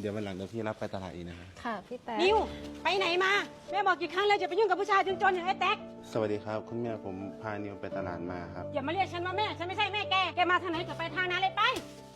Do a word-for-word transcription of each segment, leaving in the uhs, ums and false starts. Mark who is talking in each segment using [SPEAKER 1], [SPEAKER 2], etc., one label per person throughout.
[SPEAKER 1] เดี๋ยววันหลังเดี๋ยวพี่รับไปตลาดอีกนะครับ
[SPEAKER 2] ค่ะพี่แต๊ก
[SPEAKER 3] นิวไปไหนมาแม่บอกกี่ครั้งแล้วจะไปยุ่งกับผู้ชายจนๆอย่างไอ้แต๊ก
[SPEAKER 1] สวัสดีครับคุณแม่ผมพานิวไปตลาดมาครับ
[SPEAKER 3] อย่ามาเรียกฉันว่าแม่ฉันไม่ใช่แม่แกแกมาทางไหนก็ไปทางนั้นเลยไป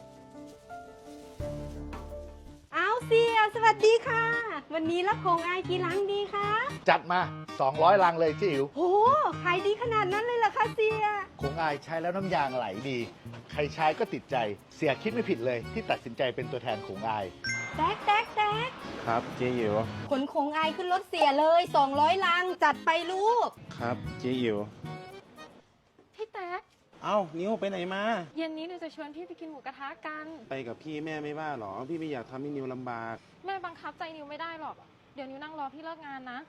[SPEAKER 3] เอาเสียสวัสดีค่ะวันนี้รับของอายกี่ลังดีคะ
[SPEAKER 4] จัดมาสองร้อยลังเลยจิ๋ว
[SPEAKER 3] โอ้ขายดีขนาดนั้นเลยเหรอคะเสีย
[SPEAKER 4] คงอายใช้แล้วน้ำยางไหลดีใครใช้ก็ติดใจเสียคิดไม่ผิดเลยที่ตัดสินใจเป็นตัวแทนของอาย
[SPEAKER 3] แต๊กแต๊กแต๊ก
[SPEAKER 1] ครับเจ๊อิ๋ว
[SPEAKER 3] ขนของอายขึ้นรถเสียเลยสองร้อยลังจัดไปลูก
[SPEAKER 1] ครับเจ๊อิ๋ว
[SPEAKER 2] พี่แต๊ก
[SPEAKER 1] เอ้านิวไปไหนมา
[SPEAKER 2] เย็นนี้หนูจะชวนพี่ไปกินหมูกระทะกัน
[SPEAKER 1] ไปกับพี่แม่ไม่ว่าหรอพี่ไม่อยากทำให้นิวลำบาก
[SPEAKER 2] แม่บังคับใจนิวไม่ได้หรอกเดี๋ยวนิวนั่งรอพี่เลิกงานนะ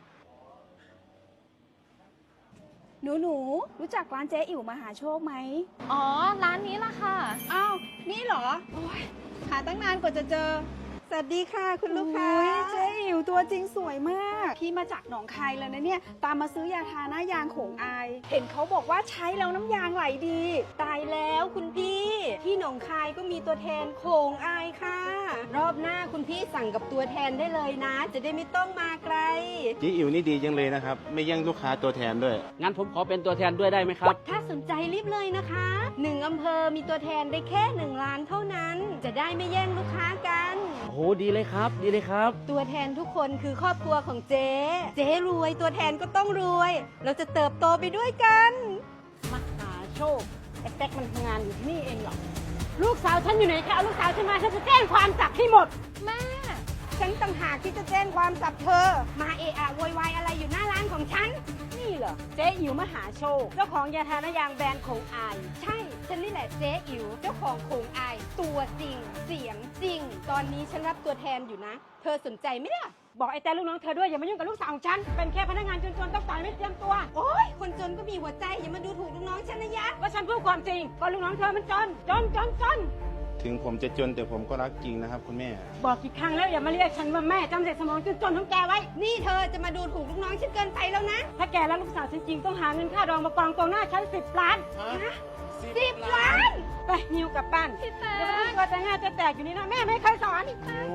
[SPEAKER 5] หนูหนูรู้จักร้านเจ๊อิ๋วมหาโชคไหม
[SPEAKER 2] อ๋อร้านนี้ล่ะค่ะ
[SPEAKER 5] อ้าวนี่เหรอโอ้ยหาตั้งนานกว่าจะเจอสวัสดีค่ะคุณลูกค้าเจ๊อิ๋วตัวจริงสวยมากพี่มาจากหนองคายเลยนะเนี่ยตามมาซื้อยาทาหน้ายางโขงอายเห็นเขาบอกว่าใช้แล้วน้ำยางไหลดี
[SPEAKER 3] ตายแล้วคุณพี่ที่หนองคายก็มีตัวแทนโขงอายค่ะรอบหน้าคุณพี่สั่งกับตัวแทนได้เลยนะจะได้ไม่ต้องมาไกล
[SPEAKER 1] เจ๊อิ๋วนี่ดีจังเลยนะครับไม่แย่งลูกค้าตัวแทนด้วย
[SPEAKER 6] งั้นผมขอเป็นตัวแทนด้วยได้ไหมครับ
[SPEAKER 3] ถ้าสนใจรีบเลยนะคะหนึ่งอำเภอมีตัวแทนได้แค่หนึ่งล้านเท่านั้นจะได้ไม่แย่งลูกค้ากัน
[SPEAKER 6] โอ้โหดีเลยครับดีเลยครับ
[SPEAKER 3] ตัวแทนทุกคนคือครอบครัวของเจ๊เจ๊รวยตัวแทนก็ต้องรวยเราจะเติบโตไปด้วยกันมหาโชคไอ้แต๊กมันทำงานอยู่ที่นี่เองหรอลูกสาวฉันอยู่ไหนคะเอาลูกสาวฉันมาฉันจะแจ้งความจับให้หมด
[SPEAKER 5] แม่
[SPEAKER 3] ฉันต่างหากที่จะแจ้งความจับเธอมาเอะอะโวยวายอะไรอยู่หน้าร้านของฉันนี่เหรอเจ๊อิ๋วมหาโชคเจ้าของยาทาหน้ายางแบรนด์โขงอายใช่ฉันนี่แหละเจ๊อิ๋วเจ้าของโขงอายตัวจริงเสียงจริงตอนนี้ฉันรับตัวแทนอยู่นะเธอสนใจไหมล่ะบอกไอ้แต่ลูกน้องเธอด้วยอย่ามายุ่งกับลูกสาวของฉันเป็นแค่พนักงานจนๆต้องต่อยไม่เตรียมตัวโอ๊ยคนจนก็มีหัวใจอย่ามาดูถูกลูกน้องฉันนะยะว่าฉันพูดความจริงก็ลูกน้องเธอมันจนจนจนจน
[SPEAKER 1] ถึงผมจะจนแต่ผมก็รักจริงนะครับคุณแม่
[SPEAKER 3] บอกกี่ครั้งแล้วอย่ามาเรียกฉันว่าแม่จำเสร็จสมองจนจนของแกไว้นี่เธอจะมาดูถูกลูกน้องฉันเกินไปแล้วนะถ้าแกรักลูกสาวฉันจริงต้องหาเงินค่าดองมากองตรงหน้าฉันสิบล้านฮะสิบล้านไปนิวกลับบ้าน
[SPEAKER 2] พี่แต๊ก
[SPEAKER 3] เดี๋ยวมันก็จะง่าจะแตกอยู่นี่นะแม่ไม่เคยสอน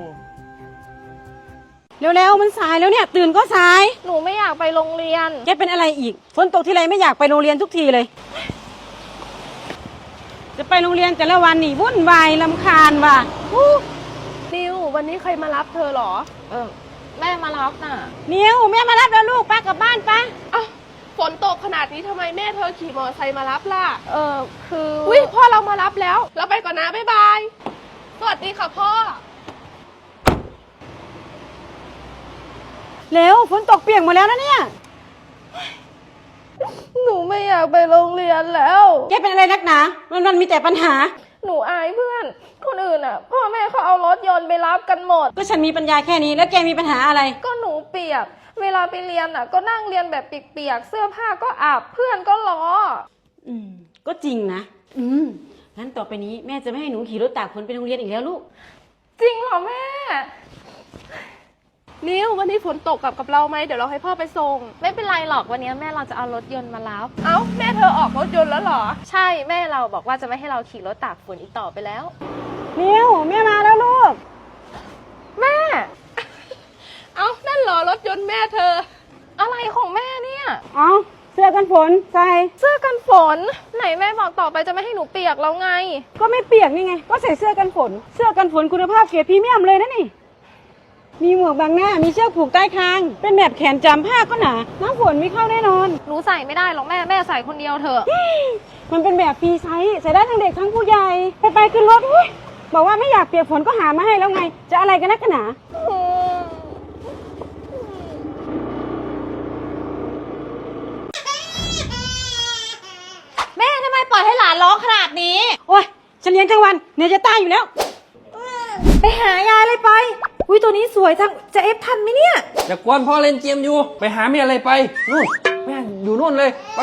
[SPEAKER 3] เร็วๆมันสายแล้วเนี่ยตื่นก็สาย
[SPEAKER 2] หนูไม่อยากไปโรงเรียน
[SPEAKER 3] แกเป็นอะไรอีกฝนตกทีไรไม่อยากไปโรงเรียนทุกทีเลยจะไปโรงเรียนแต่ละวันนี่วุ่นวายรำคาญว่ะ
[SPEAKER 2] นิววันนี้ใครมารับเธอหรอเออแม่มารับน่ะ
[SPEAKER 3] นิวแม่มารับแล้วลูกป้ากลับบ้านป้า
[SPEAKER 2] อ้าวฝนตกขนาดนี้ทำไมแม่เธอขี่มอเตอร์ไซค์มารับล่ะเออคืออุ้ยพ่อเรามารับแล้วเราไปก่อนนะบ๊ายบายสวัสดีค่ะพ่อ
[SPEAKER 3] เร็วฝนตกเปียกหมดแล้วนะเนี่ย
[SPEAKER 2] หนูไม่อยากไปโรงเรียนแล้ว
[SPEAKER 3] แกเป็นอะไรนักหนาวันวันมีแต่ปัญหา
[SPEAKER 2] หนูอายเพื่อนคนอื่นอ่ะพ่อแม่เขาเอารถยนต์ไปรับกันหมด
[SPEAKER 3] ก็ฉันมีปัญญาแค่นี้แล้วแกมีปัญหาอะไร
[SPEAKER 2] ก็หนูเปียกเวลาไปเรียนอ่ะก็นั่งเรียนแบบเปียกๆเสื้อผ้าก็อาบเพื่อนก็ล้อ
[SPEAKER 3] อืมก็จริงนะอืมงั้นต่อไปนี้แม่จะไม่ให้หนูขี่รถตากฝนไปโรงเรียนอีกแล้วลูก
[SPEAKER 2] จริงเหรอแม่นิววันนี้ฝนตกกลับกับเราไหมเดี๋ยวเราให้พ่อไปส่งไม่เป็นไรหรอกวันนี้แม่เราจะเอารถยนต์มารับเอ้าแม่เธอออกรถยนต์แล้วเหรอใช่แม่เราบอกว่าจะไม่ให้เราขี่รถตากฝนอีกต่อไปแล้ว
[SPEAKER 3] นิวแม่มาแล้วลูก
[SPEAKER 2] แม่เอ้านั่นเหรอรถยนต์แม่เธออะไรของแม่เนี่ย
[SPEAKER 3] เอ้าเสื้อกันฝนใส่
[SPEAKER 2] เสื้อกันฝนไหนแม่บอกต่อไปจะไม่ให้หนูเปียกแล้วไง
[SPEAKER 3] ก็ไม่เปียกนี่ไงก็ใส่เสื้อกันฝนเสื้อกันฝนคุณภาพเกรดพรีเมียมเลยนะนี่มีหมวกบังหน้ามีเชือกผูกใต้คางเป็นแบบแขนจำผ้าก็หนาน้ำฝนไม่เข้าแน่นอน
[SPEAKER 2] หนูใส่ไม่ได้หรอกแม่แม่ใส่คนเดียวเถอะ
[SPEAKER 3] มันเป็นแบบฟรีไซส์ใส่ได้ทั้งเด็กทั้งผู้ใหญ่ไปไปขึ้นรถบอกว่าไม่อยากเปียกฝนก็หามาให้แล้วไงจะอะไรกันนักหนา
[SPEAKER 5] แม่ทำไมปล่อยให้หลานร้องขนาดนี้
[SPEAKER 3] โอ๊ยฉันเลี้ยงทั้งวันเหนื่อยจะตายอยู่แล้ว
[SPEAKER 5] ไปหายายเลยไปอุ้ยตัวนี้สวยจังจะเอฟทันไหมเนี่ย
[SPEAKER 6] อย่ากวนพ่อเล่นเกมอยู่ไปหาแม่อะไรไปนู่นแม่อยู่นู่นเลยไป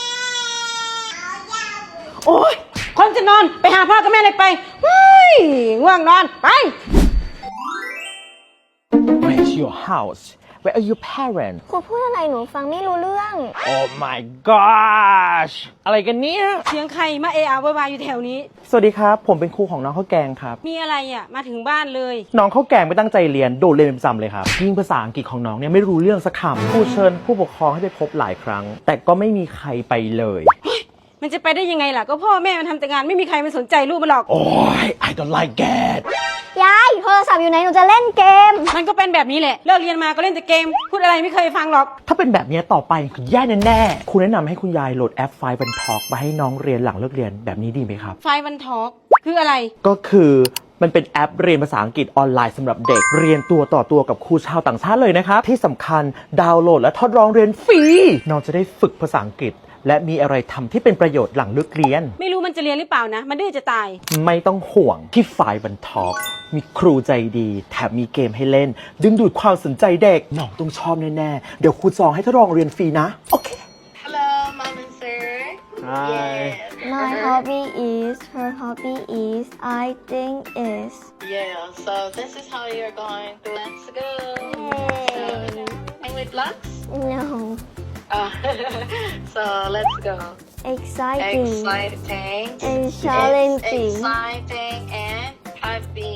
[SPEAKER 3] โอ๊ยคนจะนอนไปหาพ่อกับแม่เลยไปเฮ้ยง่วงนอนไป
[SPEAKER 6] ไม่ชิ
[SPEAKER 7] your house Where are your parents
[SPEAKER 8] ครูพูดอะไรหนูฟังไม่รู้เรื่อง
[SPEAKER 7] Oh my gosh อะไรกันเนี่ย
[SPEAKER 3] เสียงใครมาเอะอะโวยวายอยู่แถวนี้
[SPEAKER 7] สวัสดีครับ ผมเป็นครูของน้องข้าวแกงครับ
[SPEAKER 3] มีอะไรอ่ะ มาถึงบ้านเลย
[SPEAKER 7] น้องข้าวแกงไม่ตั้งใจเรียนโดดเรียนเป็นประจำเลยครับยิ่งภาษาอังกฤษของน้องเนี่ยไม่รู้เรื่องสักคำครูเชิญผู้ปกครองให้ไปพบหลายครั้ง แต่ก็ไม่มีใครไปเลย
[SPEAKER 3] มันจะไปได้ยังไงล่ะ ก็พ่อแม่มันทำแต่งานไม่มีใครมาสนใจลูกมันหรอก
[SPEAKER 7] โอ้ย I don't like that
[SPEAKER 8] ยายโทรศัพท์อยู่ไหนหนูจะเล่นเกม
[SPEAKER 3] มันก็เป็นแบบนี้แหละ เลิกเรียนมาก็เล่นแต่เกม พูดอะไรไม่เคยฟังหรอก
[SPEAKER 7] ถ้าเป็นแบบนี้ต่อไปคุณแย่แน่ๆครูแนะนำให้คุณยายโหลดแอปไฟบันทอกมาให้น้องเรียนหลังเลิกเรียนแบบนี้ดีไหมครับ
[SPEAKER 3] ไฟวันทอกคืออะไร
[SPEAKER 7] ก็คือมันเป็นแอปเรียนภาษาอังกฤษออนไลน์สำหรับเด็กเรียนตัวต่อตัวกับครูชาวต่างชาติเลยนะครับที่สำคัญดาวน์โหลดและทดลองเรียนฟรีน้องจะได้ฝึกภาษาอังกฤษและมีอะไรทำที่เป็นประโยชน์หลังเลิกเรียน
[SPEAKER 3] ไม่รู้มันจะเรียนหรือเปล่านะ มันดื้อจะตาย
[SPEAKER 7] ไม่ต้องห่วงที่ไฟบันทอกมีครูใจดีแถมมีเกมให้เล่นดึงดูดความสนใจเด็กน้องต้องชอบแน่ๆเดี๋ยวครูจองให้ทดลองเรียนฟรีนะโอเค
[SPEAKER 9] Hello, mom and sir.
[SPEAKER 7] Hi.
[SPEAKER 8] My hobby is her hobby is I think is
[SPEAKER 9] Yeah, so this is how you're going to. Let's go.
[SPEAKER 8] Yay.
[SPEAKER 9] So, and with blocks?
[SPEAKER 8] no
[SPEAKER 9] Oh, so let's go.
[SPEAKER 8] exciting
[SPEAKER 9] Exciting.
[SPEAKER 8] and challenging
[SPEAKER 9] Exciting and happy.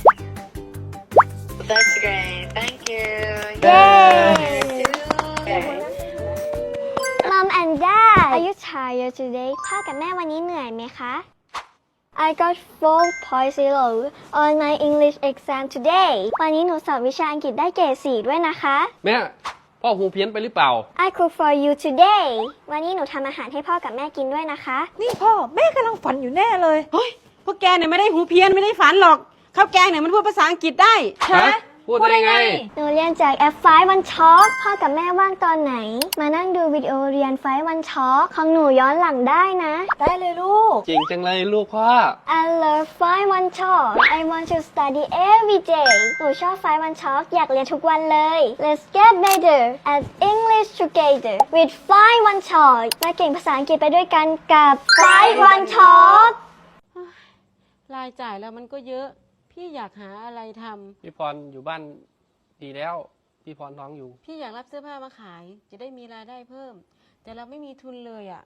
[SPEAKER 9] That's great. Thank you.
[SPEAKER 8] Yay.
[SPEAKER 9] Okay.
[SPEAKER 8] Mom and Dad are you tired today พ่อกับแม่วันนี้เหนื่อยไหมคะ I got four point zero on my English exam today วันนี้หนูสอบวิชาอังกฤษได้เกรดสี่ด้วยนะคะ
[SPEAKER 6] แม่พ่อหูเพี้ยนไปหรือเปล่า
[SPEAKER 8] I cook for you today วันนี้หนูทำอาหารให้พ่อกับแม่กินด้วยนะคะ
[SPEAKER 3] นี่พ่อแม่กำลังฝันอยู่แน่เลย เฮ้ย พวกแกเนี่ยไม่ได้หูเพี้ยนไม่ได้ฝันหรอก ข้าวแกงเนี่ยมันพูดภาษาอังกฤษได้
[SPEAKER 6] ฮะ พูดได้ไง
[SPEAKER 8] หนูเรียนจากแอปไฟวันช็อคพ่อกับแม่ว่างตอนไหน มานั่งดูวิดีโอเรียนไฟวันช็อคของหนูย้อนหลังได้นะ ได้เลยลูก
[SPEAKER 6] เก่งจังเลยลูกพ่อ
[SPEAKER 8] I love ไฟวันช็อค I want to study every day หนูชอบไฟวันช็อคอยากเรียนทุกวันเลย Let's get better at English together with ไฟวันช็อคมาเก่งภาษาอังกฤษไปด้วยกันกับไฟวันช็อค
[SPEAKER 3] รายจ่ายแล้วมันก็เยอะ พี่อยากหาอะไรทำ
[SPEAKER 6] พี่พรอยู่บ้านดีแล้ว พี่พรท้องอยู่
[SPEAKER 3] พี่อยากรับเสื้อผ้ามาขาย จะได้มีรายได้เพิ่ม แต่เราไม่มีทุนเลยอ่ะ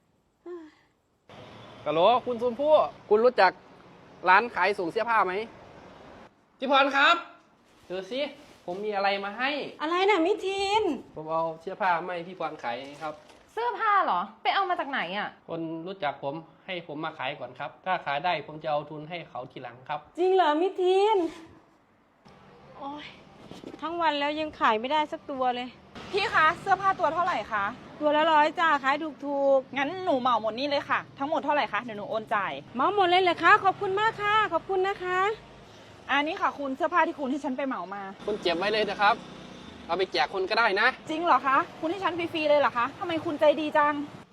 [SPEAKER 6] ฮัลโหลคุณชมพู่คุณรู้จักร้านขายส่งเสื้อผ้าไหมพี่พรครับดูสิผมมีอะไรมาให้
[SPEAKER 3] อะไรน่ะมิทีน
[SPEAKER 6] ผมเอาเสื้อผ้ามาให้พี่พรขายครับ
[SPEAKER 2] เสื้อผ้าเหรอ ไปเอามาจากไหนอ่ะ
[SPEAKER 6] คนรู้จักผมให้ผมมาขายก่อนครับ ถ้าขายได้ผมจะเอาทุนให้เขาทีหลังครับ
[SPEAKER 3] จริงเหรอมิทีน โอ้ยทั้งวันแล้วยังขายไม่ได้สักตัวเลย
[SPEAKER 5] พี่คะเสื้อผ้าตัวเท่าไหร่คะ
[SPEAKER 3] ตัวละร้อยจ้าขายถูก
[SPEAKER 5] งั้นหนูเหมาหมดนี่เลยค่ะ ทั้งหมดเท่าไหร่คะเดี๋ยวหนูโอนจ่าย
[SPEAKER 3] ๆเหมาหมดเลยเหรอคะขอบคุณมากค่ะ ขอบคุณนะคะ
[SPEAKER 5] อันนี้ค่ะคุณเสื้อผ้าที่คุณที่ฉันไปเหมามา
[SPEAKER 6] คุณเก็บไว้เลยนะครับ เอาไปแจกคนก็ได้นะ
[SPEAKER 5] จริงเหรอคะ คุณให้ฉันฟรีๆเลยเหรอคะทำไมคุณใจดีจัง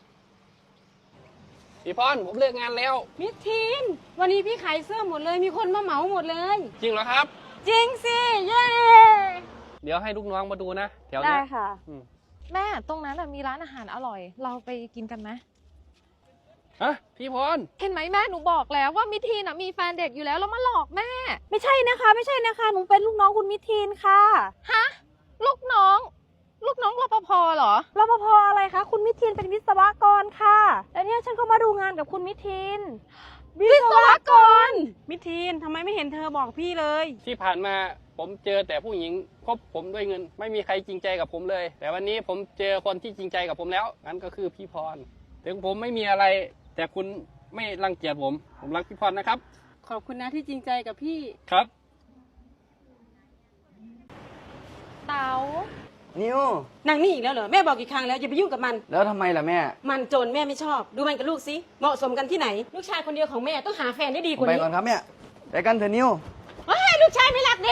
[SPEAKER 6] พี่พรผมเลิกงานแล้ว
[SPEAKER 3] มิทีน วันนี้พี่ขายเสื้อหมดเลย มีคนมาเหมาหมดเลย
[SPEAKER 6] จริงเหรอครับ
[SPEAKER 3] จริงสิ เย้
[SPEAKER 6] เดี๋ยวให้ลูกน้องมาดูนะแถว
[SPEAKER 2] ได้
[SPEAKER 6] เนี้ย
[SPEAKER 2] ค่ะ
[SPEAKER 6] อืม
[SPEAKER 2] แม่ตรงนั้นน่ะมีร้านอาหารอร่อย เราไปกินกันไหม
[SPEAKER 6] ฮะพี่พร
[SPEAKER 2] เห็นไหมแม่หนูบอกแล้วว่ามิทีนน่ะมีแฟนเด็กอยู่แล้วแล้วมาหลอกแม่
[SPEAKER 5] ไม่ใช่นะคะ ไม่ใช่นะคะ หนูเป็นลูกน้องคุณมิทีนค่ะ
[SPEAKER 2] ฮะ ลูกน้อง ลูกน้องรปภเหรอ
[SPEAKER 5] รปภอะไรคะ คุณมิทีนเป็นวิศวกรค่ะ แล้วเนี่ยฉันก็มาดูงานกับคุณมิทีน
[SPEAKER 2] วิศวกร
[SPEAKER 3] มิทีนทำไมไม่เห็นเธอบอกพี่เลย
[SPEAKER 6] ที่ผ่านมาผมเจอแต่ผู้หญิงคบผมด้วยเงิน ไม่มีใครจริงใจกับผมเลย แต่วันนี้ผมเจอคนที่จริงใจกับผมแล้วนั่นก็คือพี่พรถึงผมไม่มีอะไร แต่คุณไม่รังเกียจผม ผมรักพี่พรนะครับ
[SPEAKER 3] ขอบคุณนะที่จริงใจกับพี่
[SPEAKER 6] ครับ
[SPEAKER 2] เต๋า
[SPEAKER 10] นิว
[SPEAKER 3] นางนี่อีกแล้วเหรอ แม่บอกกี่ครั้งแล้วอย่าไปยุ่งกับมัน
[SPEAKER 10] แล้วทำไมล่ะแม่
[SPEAKER 3] มันโจรแม่ไม่ชอบ ดูมันกับลูกสิ เหมาะสมกันที่ไหน ลูกชายคนเดียวของแม่ต้องหาแฟนได้ดี
[SPEAKER 10] ผ
[SPEAKER 3] ก
[SPEAKER 10] ม
[SPEAKER 3] ว่า
[SPEAKER 10] ไป
[SPEAKER 3] นี้
[SPEAKER 10] ก่อนครับแม่ไปกันเถอะนิว
[SPEAKER 3] เฮ้ยลูกชายไม่รักดิ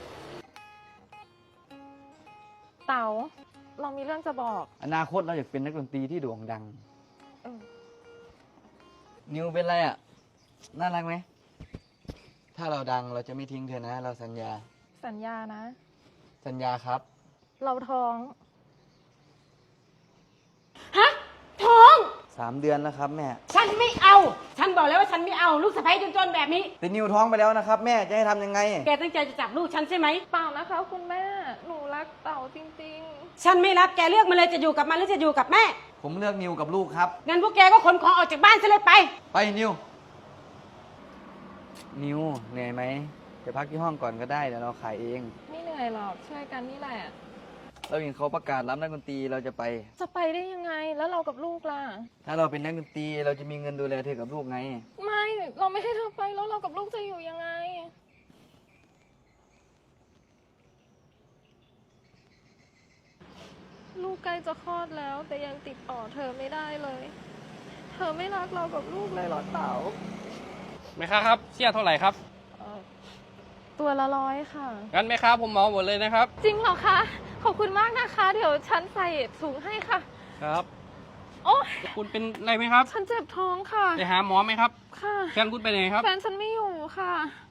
[SPEAKER 2] เต๋า เรามีเรื่องจะบอก
[SPEAKER 10] อนาคตเราอยากเป็นนักดนตรีที่โด่งดัง
[SPEAKER 2] เออ
[SPEAKER 10] นิวเป็นไรอ่ะ น่ารักไหม ถ้าเราดังเราจะไม่ทิ้งเธอนะ เราสัญญา
[SPEAKER 2] สัญญานะ
[SPEAKER 10] สัญญาครับ
[SPEAKER 2] เราท้อง
[SPEAKER 3] ฮะ ท้อง
[SPEAKER 2] ใ
[SPEAKER 10] สามเดือนแล้วครับแม่
[SPEAKER 3] ฉันไม่เอา ฉันบอกแล้วว่าฉันไม่เอาลูกสะใภ้จนๆแบบนี้
[SPEAKER 10] แต่นิวท้องไปแล้วนะครับแม่จะให้ทำยังไง
[SPEAKER 3] แกตั้งใจจะจับลูกฉันใช่ไหม
[SPEAKER 2] เปล่านะคะคุณแม่ หนูรักเต่าจริง
[SPEAKER 3] ฉันไม่รับแกเลือกมาเลยจะอยู่กับมันหรือจะอยู่กับแม่
[SPEAKER 10] ผมเลือกนิวกับลูกครับ
[SPEAKER 3] งั้นพวกแกก็ขนของออกจากบ้านซะเลยไป
[SPEAKER 10] ไปนิว นิวเหนื่อยไหมไปพักที่ห้องก่อนก็ได้เดี๋ยวเราขายเอง
[SPEAKER 2] ๆ ไม่เหนื่อยหรอกช่วยกันนี่แหละ
[SPEAKER 10] เราเห็นเขาประกาศรับนักดนตรีเราจะไป
[SPEAKER 2] จะไปได้ยังไงแล้วเรากับลูกล่ะ
[SPEAKER 10] ถ้าเราเป็นนักดนตรีเราจะมีเงินดูแลเธอกับลูกไง
[SPEAKER 2] ไม่เราไม่ให้เธอไปแล้วเรากับลูกจะอยู่ยังไง ลูกใกล้จะคลอดแล้วแต่ยังติดต่อเธอไม่ได้เลย เธอไม่รักเรากับลูกเลยเหรอเต๋า
[SPEAKER 6] แม่ค้าครับเสี้ยเท่าไหร่ครับ
[SPEAKER 2] เอ่อตัวละร้อยค่ะ
[SPEAKER 6] งั้นแม่ค้าผมเหมาหมดเลยนะครับ
[SPEAKER 2] จริงเหรอคะ ขอบคุณมากนะคะ เดี๋ยวฉันใส่ถุงให้ค่ะ
[SPEAKER 6] ครับ
[SPEAKER 2] โอ๊ย
[SPEAKER 6] คุณเป็นอะไรไหมครับ
[SPEAKER 2] ฉันเจ็บท้องค่ะ
[SPEAKER 6] ไปหาหมอไหมครับ
[SPEAKER 2] ค่ะ
[SPEAKER 6] แฟนคุณไปไหนครับ
[SPEAKER 2] แฟนฉันไม่อยู่ค่ะ